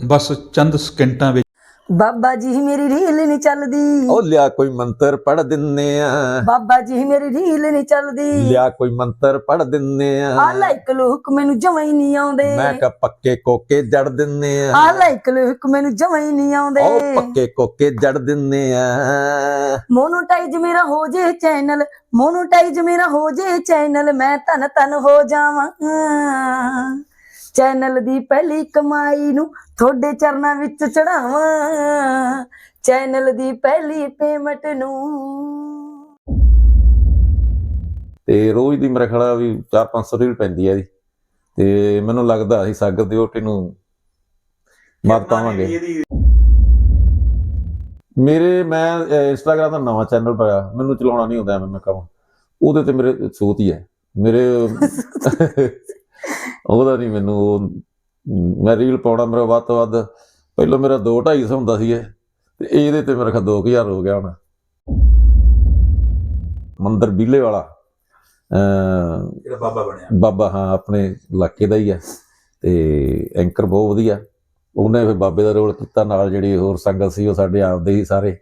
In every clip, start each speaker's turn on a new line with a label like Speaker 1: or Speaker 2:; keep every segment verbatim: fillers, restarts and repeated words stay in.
Speaker 1: ਬਸ ਚੰਦ ਸਕਿੰਟਾਂ ਵਿੱਚ
Speaker 2: ਬਾਬਾ ਜੀ ਮੇਰੀ ਰੀਲ ਨਹੀਂ ਚੱਲਦੀ।
Speaker 3: ਉਹ ਲਿਆ ਕੋਈ ਮੰਤਰ ਪੜ ਦਿੰਨੇ ਆ।
Speaker 2: ਬਾਬਾ ਜੀ ਮੇਰੀ ਰੀਲ ਨਹੀਂ ਚੱਲਦੀ।
Speaker 3: ਲਿਆ ਕੋਈ ਮੰਤਰ ਪੜ ਦਿੰਨੇ ਆ।
Speaker 2: ਆ ਲਾਈਕ ਲੁਕ ਮੈਨੂੰ ਜਮਾਂ ਹੀ ਨਹੀਂ ਆਉਂਦੇ।
Speaker 3: ਮੈਂ ਕਾ ਪੱਕੇ ਕੋਕੇ ਜੜ ਦਿੰਨੇ ਆ।
Speaker 2: ਆ ਲਾਈਕ ਲੁਕ ਮੈਨੂੰ ਜਮਾਂ ਹੀ ਨਹੀਂ ਆਉਂਦੇ।
Speaker 3: ਉਹ ਪੱਕੇ ਕੋਕੇ ਜੜ ਦਿੰਨੇ ਆ।
Speaker 2: ਮੋਨੋਟਾਈਜ਼ ਮੇਰਾ ਹੋ ਜੇ ਚੈਨਲ, ਮੋਨੋਟਾਈਜ਼ ਮੇਰਾ ਹੋ ਜੇ ਚੈਨਲ, ਮੈਂ ਧਨ ਧਨ ਹੋ ਜਾਵਾਂ। ਚੈਨਲ ਦੀ ਪਹਿਲੀ ਕਮਾਈ ਨੂੰ ਤੁਹਾਡੇ ਚਰਨਾਂ ਵਿੱਚ ਚੜਾਵਾਂ। ਚੈਨਲ ਦੀ ਪਹਿਲੀ ਪੇਮੈਂਟ ਨੂੰ।
Speaker 3: ਤੇ ਰੋਜ਼ ਦੀ ਮੇਰਾ ਖਿਆਲ ਵੀ ਚਾਰ ਪੰਜ ਸੌ ਰੀਲ ਪੈਂਦੀ ਹੈ ਜੀ। ਤੇ ਮੈਨੂੰ ਲੱਗਦਾ ਅਸੀਂ ਸਾਗਰ ਦੀ ਵਹੁਟੀ ਨੂੰ ਮਤ ਪਾਵਾਂਗੇ। ਮੇਰੇ ਮੈਂ ਇੰਸਟਾਗ੍ਰਾਮ ਦਾ ਨਵਾਂ ਚੈਨਲ ਪਾਇਆ, ਮੈਨੂੰ ਚਲਾਉਣਾ ਨਹੀਂ ਆਉਂਦਾ। ਮੈਂ ਕਹਾਂ ਉਹਦੇ ਤੇ ਮੇਰੇ ਸੂਤ ਹੀ ਹੈ ਮੇਰੇ ਉਹਦਾ ਨਹੀਂ ਮੈਨੂੰ। ਉਹ ਮੈਂ ਰੀਲ ਪਾਉਣਾ ਮੇਰਾ ਵੱਧ ਤੋਂ ਵੱਧ ਪਹਿਲਾਂ ਮੇਰਾ ਦੋ ਢਾਈ ਸੌ ਹੁੰਦਾ ਸੀ ਤੇ ਇਹਦੇ ਤੇ ਮੇਰਾ ਖਾ ਦੋ ਕੁ ਹਜ਼ਾਰ ਹੋ ਗਿਆ ਹੁਣ। ਮੰਦਰ ਬੀਲੇ ਵਾਲਾ
Speaker 1: ਜਿਹੜਾ ਬਾਬਾ ਬਣਿਆ
Speaker 3: ਬਾਬਾ, ਹਾਂ ਆਪਣੇ ਇਲਾਕੇ ਦਾ ਹੀ ਆ ਤੇ ਐਂਕਰ ਬਹੁਤ ਵਧੀਆ। ਉਹਨੇ ਫਿਰ ਬਾਬੇ ਦਾ ਰੋਲ ਕੀਤਾ, ਨਾਲ ਜਿਹੜੀ ਹੋਰ ਸੰਗਤ ਸੀ ਉਹ ਸਾਡੇ ਆਪਦੇ ਹੀ ਸਾਰੇ।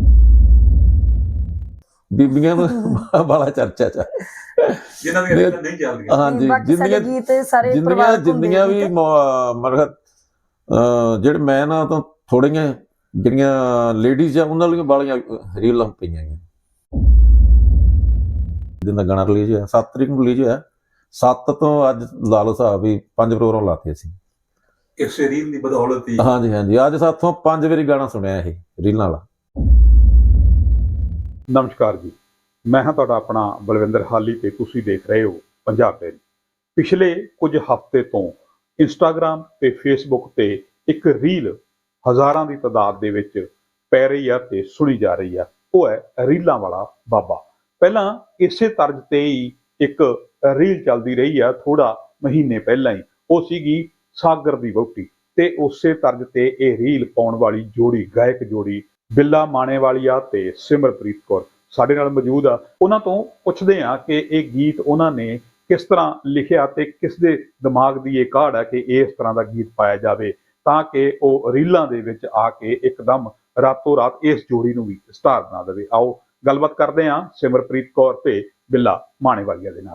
Speaker 3: ਬੀਬੀਆਂ ਨੂੰ ਬਾਲਾ ਚਰਚਾ ਚ
Speaker 1: ਜਿਨ੍ਹਾਂ ਦੀਆਂ ਰੀਲਾਂ ਨਹੀਂ ਚੱਲਦੀਆਂ।
Speaker 3: ਹਾਂਜੀ, ਜਿੰਨੀਆਂ ਜਿੰਨੀਆਂ ਜਿੰਨੀਆਂ ਵੀ ਮਰਹਤ ਜਿਹੜੇ ਮੈਂ ਨਾ ਤਾਂ ਥੋੜੀਆਂ ਜਿਹੜੀਆਂ ਲੇਡੀਜ਼ ਆ ਉਹਨਾਂ ਲਈ ਬਾਲੀਆਂ ਰੀਲਾਂ ਪਈਆਂ ਗਈਆਂ। ਜਿੰਨਾ ਗਾਣਾ ਰਿਲੀਜ਼ ਹੋਇਆ ਸੱਤ ਤਰੀਕ ਨੂੰ ਰਿਲੀਜ਼ ਹੋਇਆ, ਸੱਤ ਤੋਂ ਅੱਜ ਲਾ ਲਓ ਹਿਸਾਬ ਵੀ ਪੰਜ ਪ੍ਰੋਗਰਾਮ ਲਾਤੇ ਅਸੀਂ
Speaker 1: ਇਸੇ ਰੀਲ ਦੀ ਬਦੌਲਤ ਹੀ।
Speaker 3: ਹਾਂਜੀ ਹਾਂਜੀ, ਅੱਜ ਸਾਥੋਂ ਪੰਜ ਵਾਰੀ ਗਾਣਾ ਸੁਣਿਆ ਇਹ ਰੀਲਾਂ ਵਾਲਾ।
Speaker 4: ਨਮਸਕਾਰ ਜੀ, ਮੈਂ ਹਾਂ ਤੁਹਾਡਾ ਆਪਣਾ ਬਲਵਿੰਦਰ ਹਾਲੀ ਤੇ ਤੁਸੀਂ ਦੇਖ ਰਹੇ ਹੋ ਪੰਜਾਬ ਡੇਅਰੀ। ਪਿਛਲੇ ਕੁਝ ਹਫ਼ਤੇ ਤੋਂ ਇੰਸਟਾਗ੍ਰਾਮ ਤੇ ਫੇਸਬੁੱਕ ਤੇ ਇੱਕ ਰੀਲ ਹਜ਼ਾਰਾਂ ਦੀ ਤਾਦਾਦ ਦੇ ਵਿੱਚ ਪੈ ਰਹੀ ਆ ਤੇ ਸੁਣੀ ਜਾ ਰਹੀ ਆ। ਉਹ ਹੈ ਰੀਲਾਂ ਵਾਲਾ ਬਾਬਾ। ਪਹਿਲਾਂ ਇਸੇ ਤਰਜ਼ ਤੇ ਹੀ ਇੱਕ ਰੀਲ ਚੱਲਦੀ ਰਹੀ ਆ ਥੋੜਾ ਮਹੀਨੇ ਪਹਿਲਾਂ ਹੀ, ਉਹ ਸੀਗੀ ਸਾਗਰ ਦੀ ਵਹੁਟੀ। ਤੇ ਉਸੇ ਤਰਜ਼ ਤੇ ਇਹ ਰੀਲ ਪਾਉਣ ਵਾਲੀ ਜੋੜੀ, ਗਾਇਕ ਜੋੜੀ ਬਿੱਲਾ ਮਾਣੇਵਾਲੀਆ ਤੇ ਸਿਮਰਪ੍ਰੀਤ ਕੌਰ ਸਾਡੇ ਨਾਲ ਮੌਜੂਦ ਆ। ਉਹਨਾਂ ਤੋਂ ਪੁੱਛਦੇ ਆ ਕਿ ਇਹ ਗੀਤ ਉਹਨਾਂ ਨੇ ਕਿਸ ਤਰ੍ਹਾਂ ਲਿਖਿਆ ਤੇ ਕਿਸ ਦੇ ਦਿਮਾਗ ਦੀ ਇਹ ਕਾਢ ਹੈ ਕਿ ਇਸ ਤਰ੍ਹਾਂ ਦਾ ਗੀਤ ਪਾਇਆ ਜਾਵੇ ਤਾਂ ਕਿ ਉਹ ਰੀਲਾਂ ਦੇ ਵਿੱਚ ਆ ਕੇ ਇੱਕਦਮ ਰਾਤੋਂ ਰਾਤ ਇਸ ਜੋੜੀ ਨੂੰ ਵੀ ਸਟਾਰ ਬਣਾ ਦੇਵੇ। ਆਓ ਗੱਲਬਾਤ ਕਰਦੇ ਆ ਸਿਮਰਪ੍ਰੀਤ ਕੌਰ ਤੇ ਬਿੱਲਾ ਮਾਣੇਵਾਲੀਆ ਦੇ ਨਾਲ।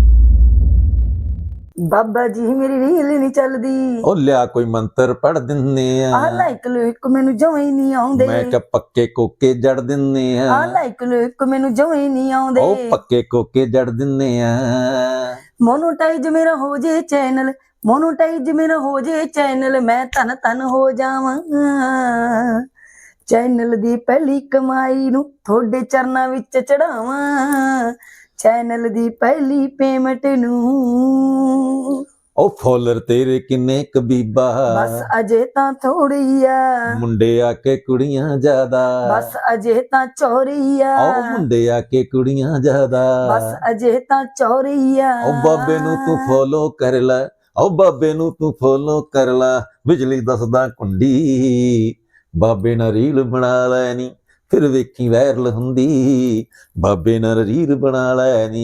Speaker 2: ਬਾਬਾ ਜੀ ਮੇਰੀ ਰੀਲ ਨਹੀਂ ਚੱਲਦੀ।
Speaker 3: ਉਹ ਲਿਆ ਕੋਈ ਮੰਤਰ ਪੜ ਦਿੰਨੇ ਆ।
Speaker 2: ਆ ਲਾਈਕ ਲੁਕ ਮੈਨੂੰ ਜਮਾਂ ਹੀ ਨਹੀਂ ਆਉਂਦੇ।
Speaker 3: ਮੈਂ ਕਾ ਪੱਕੇ ਕੋਕੇ ਜੜ ਦਿੰਨੇ ਆ।
Speaker 2: ਆ ਲਾਈਕ ਲੁਕ ਮੈਨੂੰ ਜਮਾਂ ਹੀ ਨਹੀਂ ਆਉਂਦੇ।
Speaker 3: ਉਹ ਪੱਕੇ ਕੋਕੇ ਜੜ ਦਿੰਨੇ ਆ।
Speaker 2: ਮੋਨੋਟਾਈਜ਼ ਮੇਰਾ ਹੋ ਜੇ ਚੈਨਲ, ਮੋਨੋਟਾਈਜ਼ ਮੇਰਾ ਹੋ ਜੇ ਚੈਨਲ, ਮੈਂ ਧਨ ਧਨ ਹੋ ਜਾਵਾਂ। ਚੈਨਲ ਦੀ ਪਹਿਲੀ ਕਮਾਈ ਨੂੰ ਤੁਹਾਡੇ ਚਰਨਾਂ ਵਿੱਚ ਚੜਾਵਾਂ। ਚੈਨਲ ਦੀ ਪਹਿਲੀ ਪੇਮੈਂਟ ਨੂੰ।
Speaker 3: ਉਹ ਫੋਲਰ ਤੇਰੇ ਕਿੰਨੇ ਕਬੀਬਾ,
Speaker 2: ਬਸ ਅਜੇ ਤਾਂ ਥੋੜੀ ਆ।
Speaker 3: ਮੁੰਡੇ ਆ ਕੇ ਕੁੜੀਆਂ ਜ਼ਿਆਦਾ।
Speaker 2: ਬਸ ਅਜੇ ਤਾਂ ਚੋਰੀ ਆ।
Speaker 3: ਉਹ ਮੁੰਡੇ ਆ ਕੇ ਕੁੜੀਆਂ ਜ਼ਿਆਦਾ।
Speaker 2: ਬਸ ਅਜੇ ਤਾਂ ਚੋਰੀ ਆ।
Speaker 3: ਉਹ ਬਾਬੇ ਨੂੰ ਤੂੰ ਫੋਲੋ ਕਰ ਲੈ, ਉਹ ਬਾਬੇ ਨੂੰ ਤੂੰ ਫੋਲੋ ਕਰ ਲੈ, ਬਿਜਲੀ ਦੱਸਦਾ ਕੁੰਡੀ। ਬਾਬੇ ਨਾਲ ਰੀਲ ਬਣਾ ਲੈ ਨੀ ਫਿਰ ਵੇਖੀ ਵਾਇਰਲ ਹੁੰਦੀ। ਬਾਬੇ ਨਾਲ ਰੀਲ ਬਣਾ ਲੈ ਨੀ।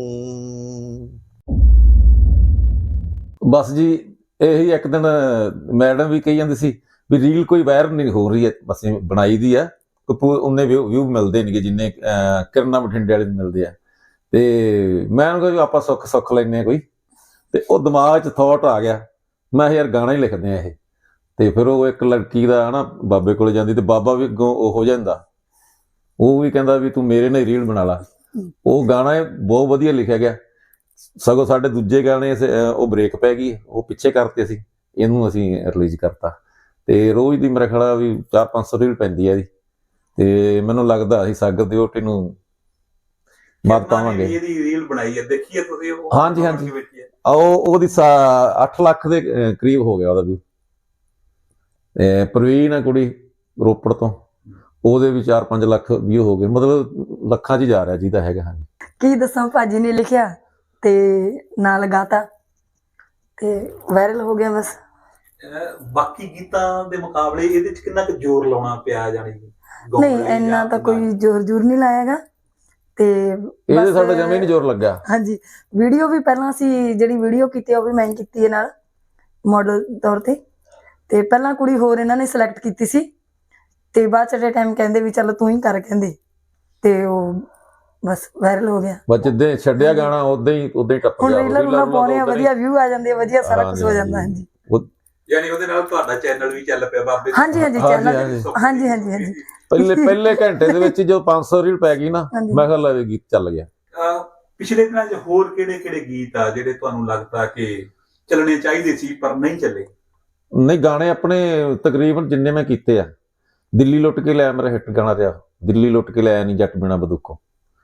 Speaker 3: ਬਸ ਜੀ ਇਹੀ ਇੱਕ ਦਿਨ ਮੈਡਮ ਵੀ ਕਹੀ ਜਾਂਦੀ ਸੀ ਵੀ ਰੀਲ ਕੋਈ ਵਾਇਰਲ ਨਹੀਂ ਹੋ ਰਹੀ ਹੈ, ਬਸ ਬਣਾਈ ਦੀ ਆ, ਉਹਨੇ ਵਿਊ ਮਿਲਦੇ ਨੇਗੇ ਜਿੰਨੇ ਕਿਰਨਾਂ ਬਠਿੰਡੇ ਵਾਲੇ ਨੂੰ ਮਿਲਦੇ ਆ। ਤੇ ਮੈਂ ਉਹਨੂੰ ਕਿਹਾ ਆਪਾਂ ਸੁੱਖ ਸੁੱਖ ਲੈਂਦੇ ਹਾਂ ਕੋਈ, ਤੇ ਉਹ ਦਿਮਾਗ 'ਚ ਥੋਟ ਆ ਗਿਆ ਮੈਂ ਯਾਰ ਗਾਣਾ ਹੀ ਲਿਖਦੇ ਆ ਇਹ। ਤੇ ਫਿਰ ਉਹ ਇੱਕ ਲੜਕੀ ਦਾ ਹਨਾ ਬਾਬੇ ਕੋਲ ਜਾਂਦੀ ਤੇ ਬਾਬਾ ਵੀ ਅੱਗੋਂ ਉਹ ਹੋ ਜਾਂਦਾ, ਉਹ ਵੀ ਕਹਿੰਦਾ ਵੀ ਤੂੰ ਮੇਰੇ ਨਾਲ ਰੀਲ ਬਣਾ ਲਾ। ਉਹ ਗਾਣਾ ਬਹੁਤ ਵਧੀਆ ਲਿਖਿਆ ਗਿਆ। ਸਗੋਂ ਸਾਡੇ ਦੂਜੇ ਗਾਣੇ ਉਹ ਬ੍ਰੇਕ ਪੈ ਗਈ, ਉਹ ਪਿੱਛੇ ਕਰਤੇ ਸੀ, ਇਹਨੂੰ ਅਸੀਂ ਰਿਲੀਜ਼ ਕਰਤਾ। ਤੇ ਰੋਜ਼ ਦੀ ਮੇਰਾ ਖਿਆਲ ਵੀ ਚਾਰ ਪੰਜ ਸੌ ਰੀਲ ਪੈਂਦੀ ਹੈ ਜੀ। ਤੇ ਮੈਨੂੰ ਲੱਗਦਾ ਅਸੀਂ ਸਾਗਰ ਦੀ ਵਹੁਟੀ ਨੂੰ ਮਤ ਪਾਵਾਂਗੇ।
Speaker 1: ਇਹਦੀ ਰੀਲ ਬਣਾਈ ਹੈ, ਦੇਖੀਏ ਤੁਸੀਂ?
Speaker 3: ਹਾਂਜੀ ਹਾਂਜੀ, ਉਹ ਉਹਦੀ ਅੱਠ ਲੱਖ ਦੇ ਕਰੀਬ ਹੋ ਗਿਆ ਉਹਦਾ ਵੀ। ਤੇ ਪ੍ਰਵੀਨ ਆ ਕੁੜੀ ਰੋਪੜ ਤੋਂ, ਉਹਦੇ ਵੀ ਚਾਰ ਪੰਜ ਲੱਖ ਵਿਊ ਹੋ ਗਏ, ਮਤਲਬ ਲੱਖਾਂ 'ਚ ਜਾ ਰਿਹਾ ਜਿਹਦਾ ਹੈਗਾ। ਹਾਂਜੀ,
Speaker 2: ਕੀ ਦੱਸਾਂ, ਭਾਜੀ ਨੇ ਲਿਖਿਆ ਤੇ ਨਾਲ ਗਾਤਾ ਤੇ ਵਾਇਰਲ ਹੋ ਗਿਆ। ਬਸ
Speaker 1: ਬਾਕੀ ਗੀਤਾਂ ਦੇ ਮੁਕਾਬਲੇ ਇਹਦੇ 'ਚ ਕਿੰਨਾ ਕੁ ਜ਼ੋਰ ਲਾਉਣਾ ਪਿਆ? ਜਾਣੀ
Speaker 2: ਨਹੀਂ ਇੰਨਾ ਤਾਂ ਕੋਈ ਜ਼ੋਰ ਜ਼ੋਰ ਨਹੀਂ ਲਾਇਆਗਾ। ਤੇ
Speaker 3: ਇਹਦੇ ਸਾਡਾ ਜਮੇ ਨਹੀਂ ਜ਼ੋਰ ਲੱਗਾ।
Speaker 2: ਹਾਂਜੀ, ਵੀਡੀਓ ਵੀ ਪਹਿਲਾਂ ਅਸੀਂ ਜਿਹੜੀ ਵੀਡੀਓ ਕੀਤੀ ਉਹ ਵੀ ਮੈਂ ਕੀਤੀ ਹੈ ਨਾਲ ਮਾਡਲ ਤੌਰ ਤੇ। ਤੇ ਪਹਿਲਾਂ ਕੁੜੀ ਹੋਰ ਇਹਨਾਂ ਨੇ ਸਿਲੈਕਟ ਕੀਤੀ ਸੀ ਤੇ ਬਾਅਦ ਚ ਟਾਈਮ ਕਹਿੰਦੇ ਵੀ ਚੱਲ ਤੂੰ ਹੀ ਕਰ, ਕਹਿੰਦੇ ਤੇ ਉਹ ਬਸ ਵਾਇਰਲ ਹੋ ਗਿਆ।
Speaker 3: ਬਸ ਜਿੱਦਾਂ ਛੱਡਿਆ ਗਾਣਾ ਉਦਾਂ ਹੀ ਉਦਾਂ ਹੀ ਟੱਪ
Speaker 2: ਹੁਣ
Speaker 3: ਗਿਆ।
Speaker 2: ਰੀਲਾਂ ਰੂਲਾਂ ਪਾਉਣੇ ਆ, ਵਧੀਆ ਵਿਊ ਆ ਜਾਂਦੇ ਆ, ਵਧੀਆ ਸਾਰਾ ਕੁਝ ਹੋ ਜਾਂਦਾ। ਹਾਂਜੀ
Speaker 1: ਯਾਨੀ ਉਹਦੇ ਨਾਲ ਤੁਹਾਡਾ ਚੈਨਲ ਵੀ ਚੱਲ ਪਿਆ ਬਾਬੇ।
Speaker 2: ਹਾਂਜੀ ਹਾਂਜੀ
Speaker 3: ਹਾਂਜੀ,
Speaker 2: ਚੈਨਲ
Speaker 3: ਹਾਂਜੀ।
Speaker 2: ਹਾਂਜੀ ਹਾਂਜੀ ਹਾਂਜੀ
Speaker 3: ਪਹਿਲੇ ਪਹਿਲੇ ਘੰਟੇ ਦੇ ਵਿੱਚ ਹੀ ਜਦੋਂ ਪੰਜ ਸੌ ਰੀਲ ਪੈ ਗਈ ਨਾ,
Speaker 2: ਹਾਂਜੀ।
Speaker 3: ਮੈਂ ਕਿਹਾ ਲੈ ਵੀ ਗੀਤ ਚੱਲ ਗਿਆ।
Speaker 1: ਅਹ ਪਿਛਲੇ ਦਿਨਾਂ 'ਚ ਹੋਰ ਕਿਹੜੇ ਕਿਹੜੇ ਗੀਤ ਆ ਜਿਹੜੇ ਤੁਹਾਨੂੰ ਲੱਗਦਾ ਕਿ ਚੱਲਣੇ ਚਾਹੀਦੇ ਸੀ ਪਰ ਨਹੀਂ ਚੱਲੇ?
Speaker 3: ਨਹੀਂ, ਗਾਣੇ ਆਪਣੇ ਤਕਰੀਬਨ ਜਿੰਨੇ ਮੈਂ ਕੀਤੇ ਆ, ਦਿੱਲੀ ਲੁੱਟ ਕੇ ਲਿਆ ਮੇਰਾ ਹਿੱਟ ਗਾਣਾ ਰਿਹਾ। ਦਿੱਲੀ ਲੁੱਟ ਕੇ ਲਿਆ ਨਹੀਂ ਜੱਟ ਬਿਨਾ ਬੰਦੂਕੋਂ,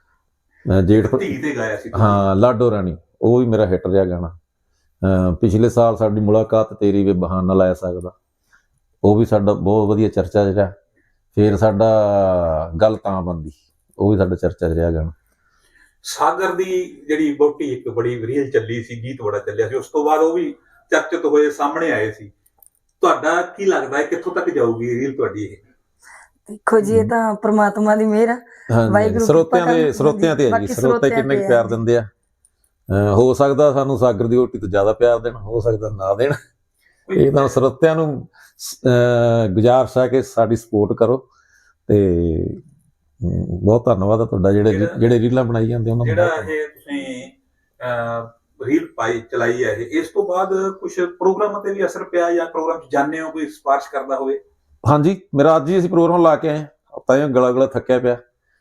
Speaker 3: ਜੇਠ
Speaker 1: ਧੀ ਤੇ ਗਾਇਆ ਸੀ ਤੁਸੀਂ।
Speaker 3: ਹਾਂ, ਲਾਡੋ ਰਾਣੀ, ਉਹ ਵੀ ਮੇਰਾ ਹਿੱਟ ਰਿਹਾ ਗਾਣਾ। ਅਹ ਪਿਛਲੇ ਸਾਲ ਸਾਡੀ ਮੁਲਾਕਾਤ ਤੇਰੀ ਵੇ ਬਹਾਨਾ ਲੈ ਸਕਦਾ, ਉਹ ਵੀ ਸਾਡਾ ਬਹੁਤ ਵਧੀਆ ਚਰਚਾ ਜਿਹੜਾ। ਫਿਰ ਸਾਡਾ ਗੱਲ ਤਾਂ ਬੰਦੀ, ਉਹ ਵੀ ਸਾਡਾ ਚਰਚਾ ਰਿਹਾ ਗਾਣਾ।
Speaker 1: ਸਾਗਰ ਦੀ ਜਿਹੜੀ ਵਹੁਟੀ ਇੱਕ ਬੜੀ ਰੀਲ ਚੱਲੀ ਸੀ, ਗੀਤ ਬੜਾ ਚੱਲਿਆ ਸੀ, ਉਸ ਤੋਂ ਬਾਅਦ ਉਹ ਵੀ ਚਰਚਿਤ ਹੋਏ, ਸਾਹਮਣੇ ਆਏ ਸੀ। ਤੁਹਾਡਾ ਕੀ ਲੱਗਦਾ ਹੈ ਕਿੱਥੋਂ ਤੱਕ ਜਾਊਗੀ ਰੀਲ ਤੁਹਾਡੀ ਇਹ?
Speaker 2: ਦੇਖੋ ਜੀ, ਇਹ ਤਾਂ ਪ੍ਰਮਾਤਮਾ ਦੀ ਮਿਹਰ ਆ।
Speaker 3: ਹਾਂਜੀ,
Speaker 2: ਵਾਹਿਗੁਰੂ
Speaker 3: ਸਰੋਤਿਆਂ
Speaker 2: ਕਿਰਪਾ
Speaker 3: ਦੇ
Speaker 2: ਕਰਨ।
Speaker 3: ਸਰੋਤਿਆਂ ਤੇ ਹੈ ਜੀ,
Speaker 2: ਬਾਕੀ
Speaker 3: ਸਰੋਤੇ
Speaker 2: ਸਰੋਤਿਆਂ
Speaker 3: ਕਿੰਨੇ ਕੁ
Speaker 2: ਤੇ
Speaker 3: ਪਿਆਰ
Speaker 2: ਹੈ।
Speaker 3: ਦਿੰਦੇ ਆ। ਅਹ ਹੋ ਸਕਦਾ ਸਾਨੂੰ ਸਾਗਰ ਦੀ ਵਹੁਟੀ ਤੋਂ ਜ਼ਿਆਦਾ ਪਿਆਰ ਦੇਣ, ਹੋ ਸਕਦਾ ਨਾ ਦੇਣ। ਇਹ ਤਾਂ ਸਰੋਤਿਆਂ ਨੂੰ ਅਹ ਗੁਜ਼ਾਰਿਸ਼ ਹੈ ਕਿ ਸਾਡੀ ਸਪੋਰਟ ਕਰੋ। ਤੇ ਅਮ, ਬਹੁਤ ਧੰਨਵਾਦ ਆ ਤੁਹਾਡਾ, ਜਿਹੜੇ
Speaker 1: ਜਿਹੜਾ-
Speaker 3: ਜਿਹੜੇ ਰੀਲਾਂ ਬਣਾਈ ਜਾਂਦੇ ਉਹਨਾਂ ਨੂੰ।
Speaker 1: ਜਿਹੜਾ
Speaker 3: ਬਹੁਤ
Speaker 1: ਇਹ ਤੁਸੀਂ ਅਹ ਰੀਲ ਪਾਈ ਚਲਾਈ ਹੈ ਇਹ, ਇਸ ਤੋਂ ਬਾਅਦ ਕੁਝ ਪ੍ਰੋਗਰਾਮਾਂ ਤੇ ਵੀ ਅਸਰ ਪਿਆ ਜਾਂ ਪ੍ਰੋਗਰਾਮ 'ਚ ਜਾਂਦੇ ਹੋ, ਕੋਈ ਸਿਫਾਰਿਸ਼ ਕਰਦਾ ਹੋਵੇ?
Speaker 3: ਹਾਂਜੀ, ਮੇਰਾ ਅੱਜ ਹੀ ਅਸੀਂ ਪ੍ਰੋਗਰਾਮ ਲਾ ਕੇ ਆਏ ਹਾਂ, ਤਾਂ ਇਹ ਗਲਾ ਗਲਾ ਥੱਕਿਆ ਪਿਆ।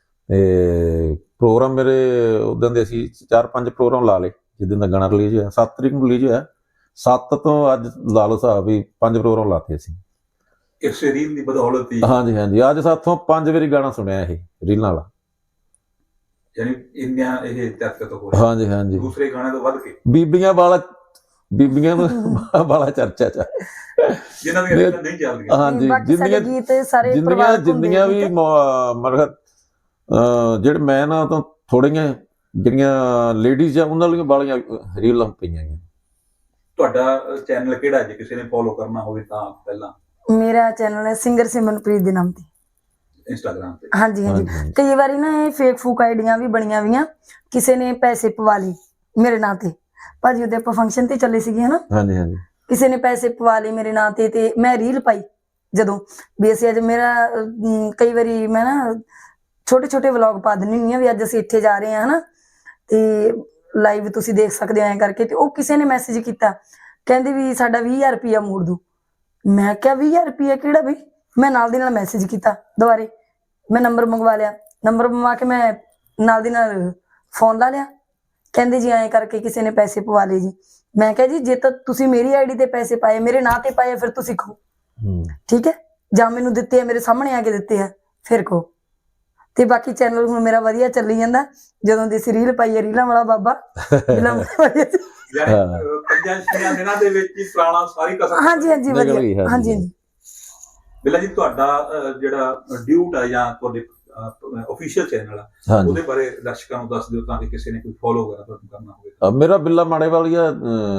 Speaker 3: ਤੇ ਪ੍ਰੋਗਰਾਮ ਮੇਰੇ ਉਦੋਂ ਦੇ ਅਸੀਂ ਚਾਰ ਪੰਜ ਪ੍ਰੋਗਰਾਮ ਲਾ ਲਏ ਜਿੱਦਾਂ ਦਾ ਗਾਣਾ ਰਿਲੀਜ਼ ਹੋਇਆ। ਸੱਤ ਤਰੀਕ ਨੂੰ ਰਿਲੀਜ਼ ਹੋਇਆ, ਸੱਤ ਤੋਂ ਅੱਜ ਲਾ ਲਓ ਹਿਸਾਬ ਵੀ ਪੰਜ ਪ੍ਰੋਗਰਾਮ ਲਾਤੇ ਅਸੀਂ
Speaker 1: ਇਸ ਰੀਲ ਦੀ ਬਦੌਲਤ ਹੀ।
Speaker 3: ਹਾਂਜੀ ਹਾਂਜੀ, ਅੱਜ ਸਾਥੋਂ ਪੰਜ ਵਾਰੀ ਗਾਣਾ ਸੁਣਿਆ ਇਹ ਰੀਲਾਂ ਵਾਲਾ।
Speaker 1: ਯਾਨੀ ਇੰਨਾ ਇਹ ਚਰਚਿਤ ਹੋ ਰਿਹਾ
Speaker 3: ਹਾਂਜੀ ਹਾਂਜੀ,
Speaker 1: ਦੂਸਰੇ ਗਾਣੇ ਤੋਂ ਵੱਧ ਕੇ।
Speaker 3: ਬੀਬੀਆਂ ਵਾਲਾ ਬੀਬੀਆਂ ਨੂੰ ਵਾਲਾ ਚਰਚਾ ਚ ਆ।
Speaker 1: ਜਿਨ੍ਹਾਂ ਦੀਆਂ ਰੀਲਾਂ ਨਹੀਂ ਚੱਲਦੀਆਂ।
Speaker 3: ਹਾਂਜੀ,
Speaker 2: ਬਾਕੀ ਸਾਡੇ
Speaker 3: ਜਿੰਨੀਆਂ
Speaker 2: ਗੀਤ ਸਾਰੇ
Speaker 3: ਜਿੰਨੀਆਂ
Speaker 2: ਪਰਿਵਾਰਕ ਹੁੰਦੇ
Speaker 3: ਜਿੰਨੀਆਂ
Speaker 2: ਆ
Speaker 3: ਵੀ
Speaker 2: ਗੀਤ।
Speaker 3: ਮਤਲਬ ਜਿਹੜੇ ਮੈਂ ਨਾ ਤਾਂ ਥੋੜੀਆਂ ਜਿਹੜੀਆਂ ਲੇਡੀਜ਼ ਆ ਉਹਨਾਂ ਲਈ ਵਾਲੀਆਂ ਰੀਲਾਂ ਪਈਆਂ ਗਈਆਂ।
Speaker 1: ਤੁਹਾਡਾ ਚੈਨਲ ਕਿਹੜਾ ਜੇ ਕਿਸੇ ਨੇ ਫੋਲੋ ਕਰਨਾ ਹੋਵੇ ਤਾਂ? ਪਹਿਲਾਂ
Speaker 2: ਮੇਰਾ ਚੈਨਲ ਹੈ ਸਿੰਗਰ ਸਿਮਰਨਪ੍ਰੀਤ ਦੇ ਨਾਮ ਤੇ,
Speaker 1: ਇੰਸਟਾਗ੍ਰਾਮ ਤੇ।
Speaker 2: ਹਾਂਜੀ ਹਾਂਜੀ।
Speaker 3: ਹਾਂਜੀ।
Speaker 2: ਕਈ ਵਾਰੀ ਨਾ ਇਹ ਫੇਕ ਫੂਕ ਆਈਡੀਆਂ ਵੀ ਬਣੀਆਂ ਵੀਆਂ, ਕਿਸੇ ਨੇ ਪੈਸੇ ਪਵਾ ਲਏ ਮੇਰੇ ਨਾਂ ਤੇ। ਭਾਜੀ ਉਹਦੇ ਆਪਾਂ ਫੰਕਸ਼ਨ ਤੇ ਚੱਲੇ ਸੀਗੇ ਹਨਾ,
Speaker 3: ਹਾਂਜੀ ਹਾਂਜੀ,
Speaker 2: ਕਿਸੇ ਨੇ ਪੈਸੇ ਪਵਾ ਲਏ ਮੇਰੇ ਨਾਂ ਤੇ ਤੇ ਮੈਂ ਰੀਲ ਪਾਈ ਜਦੋਂ ਵੀ ਅਸੀਂ ਅੱਜ ਮੇਰਾ ਅਮ, ਕਈ ਵਾਰੀ ਮੈਂ ਨਾ ਛੋਟੇ ਛੋਟੇ ਵਲੌਗ ਪਾ ਦਿੰਦੀ ਹੁੰਦੀ ਹਾਂ ਵੀ ਅੱਜ ਅਸੀਂ ਇੱਥੇ ਜਾ ਰਹੇ ਹਾਂ ਹਨਾ, ਤੇ ਲਾਈਵ ਤੁਸੀਂ ਦੇਖ ਸਕਦੇ ਹੋ ਐਂ ਕਰਕੇ। ਤੇ ਉਹ ਕਿਸੇ ਨੇ ਮੈਸੇਜ ਕੀਤਾ, ਕਹਿੰਦੇ ਵੀ ਸਾਡਾ ਵੀਹ ਹਜ਼ਾਰ ਰੁਪਇਆ ਮੋੜ ਦੋ। ਮੈਂ ਕਿਹਾ ਵੀਹ ਹਜ਼ਾਰ ਰੁਪਇਆ ਕਿਹੜਾ ਬਈ? ਮੈਂ ਨਾਲ ਦੀ ਨਾਲ ਮੈਸੇਜ ਕੀਤਾ ਦੁਬਾਰੇ, ਮੈਂ ਨੰਬਰ ਮੰਗਵਾ ਲਿਆ, ਨੰਬਰ ਮੰਗਵਾ ਕੇ ਮੈਂ ਨਾਲ ਦੀ ਨਾਲ ਫੋਨ ਲਾ ਲਿਆ। ਕਹਿੰਦੇ ਜੀ ਐਂ ਕਰਕੇ ਕਿਸੇ ਨੇ ਪੈਸੇ ਪਵਾ ਲਏ ਜੀ। ਮੈਂ ਕਿਹਾ ਜੀ ਜੇ ਤਾਂ ਤੁਸੀਂ ਮੇਰੀ ਆਈਡੀ ਤੇ ਪੈਸੇ ਪਾਏ, ਮੇਰੇ ਨਾਂ ਤੇ ਪਾਏ, ਫਿਰ ਤੁਸੀਂ ਕਹੋ ਠੀਕ ਹੈ, ਜਾਂ ਮੈਨੂੰ ਦਿੱਤੇ ਆ ਮੇਰੇ ਸਾਹਮਣੇ ਆ ਕੇ ਦਿੱਤੇ ਆ ਫਿਰ ਕਹੋ। ਤੇ ਬਾਕੀ ਚੈਨਲ ਹੁਣ ਮੇਰਾ ਵਧੀਆ ਚੱਲੀ ਜਾਂਦਾ। ਜਦੋਂ ਦੀ ਰੀਲ ਪਾਈ ਹੈ ਰੀਲਾਂ ਵਾਲਾ ਬਾਬਾ ਰੀਲਾਂ ਵਾਲੀ ਸੀ।
Speaker 1: ਯਾਨੀ ਅਹ, ਪੰਜਾਂ ਛੇਆਂ ਦਿਨਾਂ ਦੇ ਵਿੱਚ ਹੀ ਪੁਰਾਣਾ ਸਾਰੀ ਕਸਰ।
Speaker 2: ਹਾਂਜੀ ਹਾਂਜੀ
Speaker 3: ਨਿਕਲ ਗਈ,
Speaker 2: ਵਧੀਆ,
Speaker 3: ਹਾਂਜੀ।
Speaker 2: ਹਾਂਜੀ ਹਾਂਜੀ।
Speaker 1: ਬਿੱਲਾ ਜੀ, ਤੁਹਾਡਾ ਅਹ, ਜਿਹੜਾ ਡਿਊਟ ਆ ਜਾਂ ਤੁਹਾਡੇ ਅਫੀਸ਼ੀਅਲ ਚੈਨਲ ਆ,
Speaker 3: ਹਾਂਜੀ।
Speaker 1: ਉਹਦੇ ਬਾਰੇ ਦਰਸ਼ਕਾਂ ਨੂੰ ਦੱਸ ਦਿਓ ਤਾਂ ਕਿ ਕਿਸੇ ਨੇ ਕੋਈ ਫੋਲੋ ਵਗੈਰਾ ਤੁਹਾਨੂੰ ਕਰਨਾ ਹੋਵੇ।
Speaker 3: ਅਹ ਮੇਰਾ ਬਿੱਲਾ ਮਾੜੇ ਵਾਲੀਆ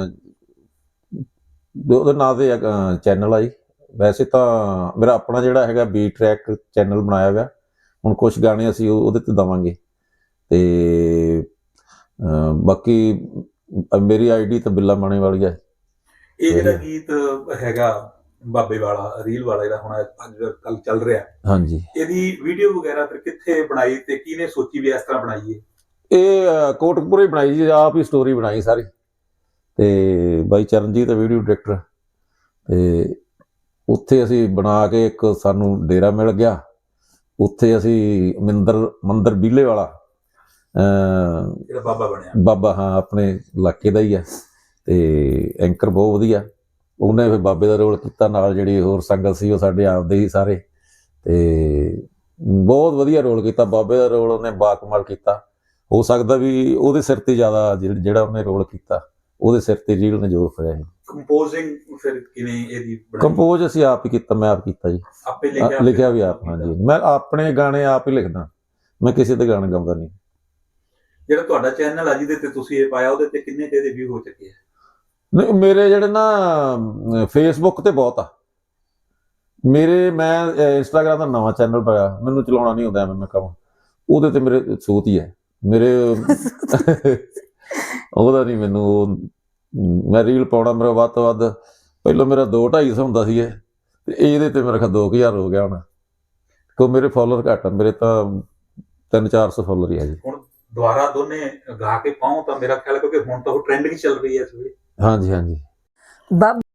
Speaker 3: ਉਹਦੇ ਨਾਂ ਤੇ ਚੈਨਲ ਆ ਜੀ। ਵੈਸੇ ਤਾਂ ਮੇਰਾ ਆਪਣਾ ਜਿਹੜਾ ਹੈਗਾ ਬੀ ਟਰੈਕ ਚੈਨਲ ਬਣਾਇਆ ਹੋਇਆ, ਹੁਣ ਕੁਝ ਗਾਣੇ ਅਸੀਂ ਉਹਦੇ ਤੇ ਦੇਵਾਂਗੇ। ਤੇ ਬਾਕੀ ਮੇਰੀ ਆਈਡੀ ਤਾਂ ਬਿੱਲਾ ਮਾਣੇ ਵਾਲੀ ਆ।
Speaker 1: ਇਹ ਜਿਹੜਾ ਗੀਤ ਹੈਗਾ ਬਾਬੇ ਵਾਲਾ ਰੀਲ ਵਾਲਾ ਜਿਹੜਾ ਹੁਣ ਅੱਜ ਕੱਲ ਚੱਲ ਰਿਹਾ,
Speaker 3: ਹਾਂਜੀ,
Speaker 1: ਇਹਦੀ ਵੀਡੀਓ ਵਗੈਰਾ ਫਿਰ ਕਿੱਥੇ ਬਣਾਈ ਤੇ ਕਿਹਨੇ ਸੋਚੀ ਵੀ ਇਸ ਤਰ੍ਹਾਂ ਬਣਾਈਏ?
Speaker 3: ਇਹ ਕੋਟਕਪੁਰੇ ਬਣਾਈ ਜੀ, ਆਪ ਹੀ ਸਟੋਰੀ ਬਣਾਈ ਸਾਰੀ। ਤੇ ਬਾਈ ਚਰਨਜੀਤ ਵੀਡੀਓ ਡਾਇਰੈਕਟਰ, ਤੇ ਉੱਥੇ ਅਸੀਂ ਬਣਾ ਕੇ ਇੱਕ ਸਾਨੂੰ ਡੇਰਾ ਮਿਲ ਗਿਆ। ਉੱਥੇ ਅਸੀਂ ਮਿੰਦਰ ਮੰਦਰ ਬੀਲੇ ਵਾਲਾ
Speaker 1: ਜਿਹੜਾ ਬਾਬਾ ਬਣਿਆ
Speaker 3: ਬਾਬਾ, ਹਾਂ ਆਪਣੇ ਇਲਾਕੇ ਦਾ ਹੀ ਆ। ਤੇ ਐਂਕਰ ਬਹੁਤ ਵਧੀਆ, ਉਹਨੇ ਫਿਰ ਬਾਬੇ ਦਾ ਰੋਲ ਕੀਤਾ, ਨਾਲ ਜਿਹੜੀ ਹੋਰ ਸੰਗਤ ਸੀ ਉਹ ਸਾਡੇ ਆਪਦੇ ਹੀ ਸਾਰੇ। ਤੇ ਬਹੁਤ ਵਧੀਆ ਰੋਲ ਕੀਤਾ ਬਾਬੇ ਦਾ ਰੋਲ, ਉਹਨੇ ਬਾਕਮਾਲ ਕੀਤਾ। ਹੋ ਸਕਦਾ ਵੀ ਉਹਦੇ ਸਿਰ ਤੇ ਜ਼ਿਆਦਾ ਜਿਹੜਾ ਉਹਨੇ ਰੋਲ ਕੀਤਾ ਉਹਦੇ ਸਿਰ ਤੇ ਰੀਲ ਨੇ ਜੋ ਫੜਿਆ ਸੀ।
Speaker 1: ਕੰਪੋਜ਼ਿੰਗ ਫਿਰ ਕਿਵੇਂ ਇਹਦੀ ਬਣਾਈ?
Speaker 3: ਕੰਪੋਜ਼ ਅਸੀਂ ਆਪ ਹੀ ਕੀਤਾ, ਮੈਂ ਆਪ ਕੀਤਾ ਜੀ।
Speaker 1: ਆਪੇ ਲਿਖਿਆ?
Speaker 3: ਲਿਖਿਆ ਵੀ ਆਪ, ਹਾਂਜੀ। ਮੈਂ ਆਪਣੇ ਗਾਣੇ ਆਪ ਹੀ ਲਿਖਦਾ, ਮੈਂ ਕਿਸੇ ਦੇ ਗਾਣੇ ਗਾਉਂਦਾ ਨਹੀਂ।
Speaker 1: ਜਿਹੜਾ ਤੁਹਾਡਾ ਚੈਨਲ ਆ ਜਿਹਦੇ ਤੇ ਤੁਸੀਂ ਇਹ ਪਾਇਆ, ਉਹਦੇ ਤੇ ਕਿੰਨੇ ਤੇ ਇਹਦੇ ਵਿਊ ਹੋ ਚੁੱਕੇ ਆ?
Speaker 3: ਨਹੀਂ, ਮੇਰੇ ਜਿਹੜੇ ਨਾ ਫੇਸਬੁੱਕ ਤੇ ਬਹੁਤ ਆ ਮੇਰੇ। ਮੈਂ ਇੰਸਟਾਗ੍ਰਾਮ ਦਾ ਨਵਾਂ ਚੈਨਲ ਪਾਇਆ, ਮੈਨੂੰ ਚਲਾਉਣਾ ਨਹੀਂ ਆਉਂਦਾ, ਮੈਂ ਕਹਾਂ ਉਹਦੇ ਤੇ ਮੇਰੇ ਸੂਤ ਹੀ ਹੈ ਮੇਰੇ। ਉਹਦਾ ਨਹੀਂ ਮੈਨੂੰ, ਮੈਂ ਰੀਲ ਪਾਉਣਾ ਮੇਰਾ ਵੱਧ ਤੋਂ ਵੱਧ ਪਹਿਲਾਂ ਮੇਰਾ ਦੋ ਢਾਈ ਸੌ ਹੁੰਦਾ ਸੀ ਇਹ, ਤੇ ਇਹਦੇ ਤੇ ਮੇਰਾ ਖਾ ਦੋ ਕੁ ਹਜ਼ਾਰ ਹੋ ਗਿਆ ਹੁਣ। ਕੋ ਮੇਰੇ ਫੋਲੋਅਰ ਘੱਟ ਆ, ਮੇਰੇ ਤਾਂ ਤਿੰਨ ਚਾਰ ਸੌ ਫੋਲੋਅਰ ਹੀ ਆ ਜੀ।
Speaker 1: ਹੁਣ ਦੁਬਾਰਾ ਦੋਨੇ ਗਾ ਕੇ ਪਾਉ ਤਾਂ ਮੇਰਾ ਖਿਆਲ, ਕਿਉਂਕਿ ਹੁਣ ਤਾਂ ਉਹ ਟ੍ਰੈਂਡਿੰਗ ਚੱਲ ਰਹੀ ਹੈ ਇਸ ਵੇਲੇ।
Speaker 3: ਹਾਂਜੀ ਹਾਂਜੀ।
Speaker 2: ਬਾਬਾ